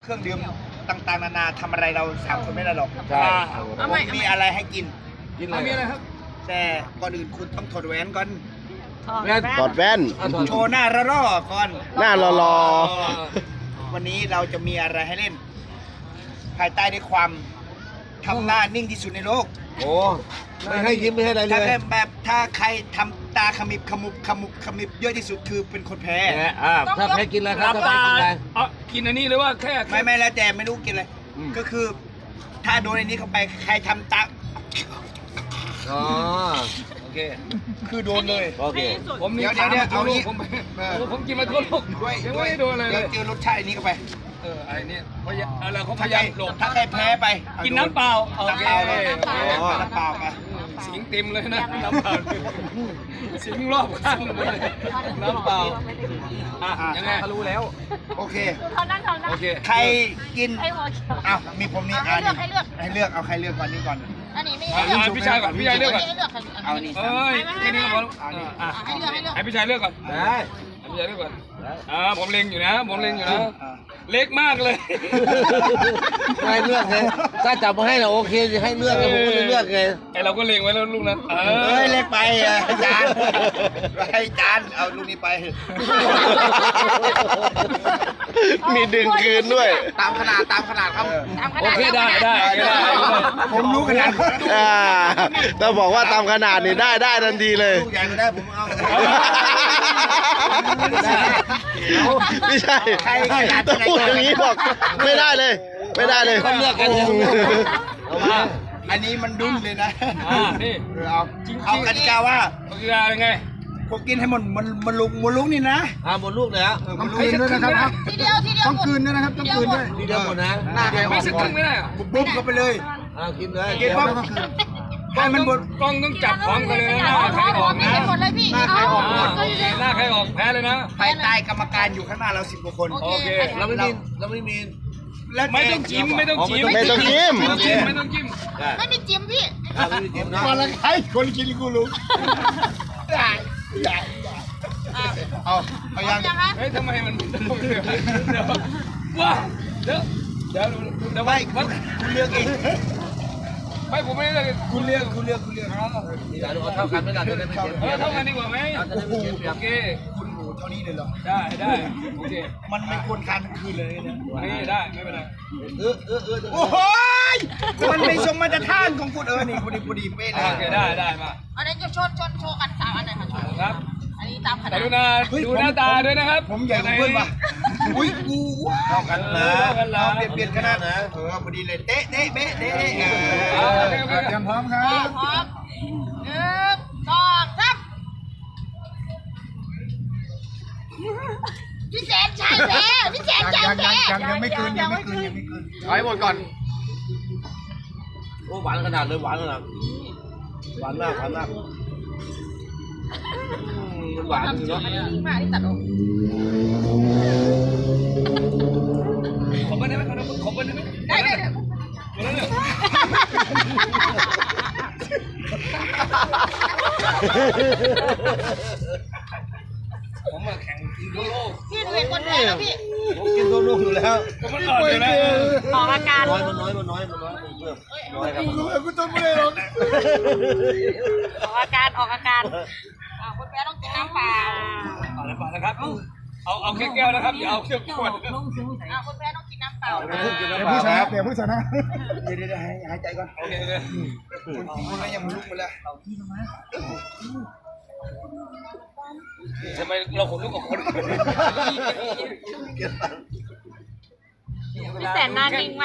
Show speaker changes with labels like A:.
A: เครื่องดื่มต่างๆนานาทำอะไรเราสามคนไม่ได้หรอก
B: ใช่
A: ผมมีอะไรให้กิน
B: กินอะไร
C: มีอะไรครับ
A: แต่ก่อนอื่นคุณต้องถอดแหวนก่อน
D: ถอดแว่น
A: โชว์หน้าระร่อก่อน
D: หน้ารอ
A: วันนี้เราจะมีอะไรให้เล่น ภายใต้ด้วยความทำหน้านิ่งที่สุดในโลก
B: โอ้ไม่ให้ยิ้มไม่ให้อะไรเล
A: ถ้าย แบบถ้าใครทำตาขมิบขมุบขมุบขมิบเยอะที่สุดคือเป็นคนแพ้
B: แหมถ้าแพ้กินอะไรครับถ้าแพ้กินอะไร
C: กินอันนี้หรือว่าแค่
A: ไม่แล้วแต่ไม่รู้กินอะไร
B: อืม
A: ก็คือ ถ้าโดนในนี้เข้าไปใครทำตา
B: อ๋อโอเค
A: คือโดนเลย
B: โอเค
C: ผมนี่
A: เดี๋ยวเอานี้
C: ผมกินมาทั่วโลก
A: ด้วย
C: ยังไม่ได้โดนอะไรเล
A: เดี๋ยวย เจอรสชาติอันนี้เข้าไป
C: ไอ้นี่พยายามอะไรเขาพ
A: ถ้าย
C: ายามหลบ
A: ถ้าใครแพ้ไป
C: กินน้ำเปล่าโอ
A: น้ำ
C: เค
A: เปล่าเลยน้ำเปล่าไป
C: สิงเต็มเลยนะน้ำเปล่าสิงรอบข้างเลยน้ำเปล่ายังไงรู้แล้ว
A: โอเค
E: เขานั่งเขานั่ง
C: โอเค
A: ใครกิน
E: ไอ้หัวเขียว
A: อ้าวมีผมนี่
E: ให้เลือกให้เลือก
A: ให้เลือกเอาใครเลือกก่อนนี่ก่อน
E: อันนี้ไม่
C: พี่ชายก่อนพี่ชายเลือกก่อน
E: ให้เลือก
A: เอานี่
C: เอ้ยแค่นี้ก็พอ
E: ให้เลือกให้เลือก
C: ให้พี่ชายเลือกก่อน
B: ได้
C: ให้พี่ชายเลือกก่อนผมเล็งอยู่นะผมเล็งอยู่นะเล็กมากเลย
B: ให้เลือกเลยถ้าจับมาให้เราโอเคจะให้เลือกเลยผมก็เลยเลือกไง
C: ไอเราก็เล็งไว้แล้วลูกนั้น
A: เอ้ยเล็กไปจานให้จานเอาลูกนี้ไป
D: มีดึงคืนด้วย
A: ตามขนาดครับ
C: โอเคได้
A: ผมรู้ขนาด
D: ถ้าบอกว่าตามขนาดนี่ได้ทันทีเลย
A: ลูกใหญ่ก็ได้ผมเอา
D: ไม่ใช่ต้องพูดอย่างนี้บอกไม่ได้เลย ไม่ได้เลย
B: ต้องเลือกกันเนี่ยเอามา
A: อันนี้มันดุนเลยนะ
C: นี่
A: เอากติกาว่า
C: โอเคยังไง
A: ผมกินให้มันลุกนี่นะ
B: หมดลูกเลยฮะ
A: มันลุกด้วยนะครับ
E: ทีเดียวต้องคืนด้วยนะครับต้องคืนด้วย
B: ทีเดียวหมดนะ
A: หน้าใครอ
C: ไม่
A: อก
C: สัก
A: ก่
C: ค
A: อน
C: รึ่งไม่ได้
A: บุ๊บเข้าไปเลย
B: กินเลย
A: กินปั๊บให้มันหมด
C: กล้องต้องจับพร้อมกันเลยนะใครออก
E: ไม่
C: นะ
E: เห็นหมดเลยพี่
C: หน้าใครออกแพ้เลยนะ
A: ภายใต้กรรมการอยู่ข้างหน้าเรา10 กว่าคน
C: โอเค
B: เราไม่มี
A: แล้ว
C: ไม่ต้องจิ้มไม่ต้องจิ้ม
D: ไม่ต้องจิ้ม
C: ไม่ต้องจิ้มไม่ต้องจิ้ม
E: ไม่มีจิ้มพี่
B: ไม่มีจิ้มนะ
A: มาละใครคนกินกูรู้เอายัง
E: ยังคะ
C: เฮ้ยทำไมมันเดี๋ยวว้าเดี๋ยว
A: ไม่คุณเลือกเอง
C: ไม่ผมไม่ได้เลย
A: คุณเลือก
B: เอาเท่ากันไม่ได้จะได้ไม่เสียเปรียบ
C: เท่ากันดีกว่าไหม
B: จะได้ไม่เสียเปรีย
C: โอบ เค
A: คุณหมูเท่านี้เลยเหรอ
C: ได้โอเค
A: มันไม่ควรทานทั้งคืนเลยนะ
C: นี่ได้ไม่เป็นไร
A: โอ้โหมันไม่สมมาตรฐานของคุณนี่พอดีเป๊ะเล
C: โอเค
A: ย
C: ได้มา
E: อันนี้จะชนโชว์กัน3อันไหนคะ
C: ครับ
E: อันนี้ตามขนา
C: แต่
E: ด
C: ดูหน้าตาด้วยนะครับ
A: ผมใหญ่กว่าเพื่อนป่ะอุ้ยกูเท่ากันนะ
C: เท่ากันนะ
A: เปลี่ยนขนาดนะพอดีเลยเตะเบ๊ะเตะ
C: เตรียมพร้อมครั
E: พร้อม1 2 3พี่แสนชัยแพ้พี่แสนชัยแพ้ยังไม่คืน
A: ถอยหมดก่อน
B: โอ้หวานขนาดเลยหวานขนาดหวานมากมันหวานจริงเนาะ
E: มากที่ตัดออก
C: ขอบคุณได้ไหมขอบคุณได้ไหม
E: ได้
C: ผมมาแข่งกินทั่วโลก
E: พี่หนูเห็นคนแพ้แล้วพี่
B: ผมกินตัวลูกอยู่แล้ว
C: ผมมันอ่อนอยู่นะ
E: ออกอาการ
B: น้อยเพิ่มน้อยครับ
A: กูต้องไม่ได้หรอก
E: ออกอาการคนแพ้ต้องกินน้ำเปล่า
C: เอาละนะครับเอาแค่แก้วนะครับอย่าเอาแค่ขวด
E: คนแพ้ต้องกินน้ำเปล่า
A: เดี๋ยวผู้ชนะเดี๋ยวหายใจก่อน
C: โอเค
A: คนกินคนนั้นยังลุกมาแล้ว
C: ทำไมเราขนลุกกับคน
E: พี่แสนนานนิ่งมาก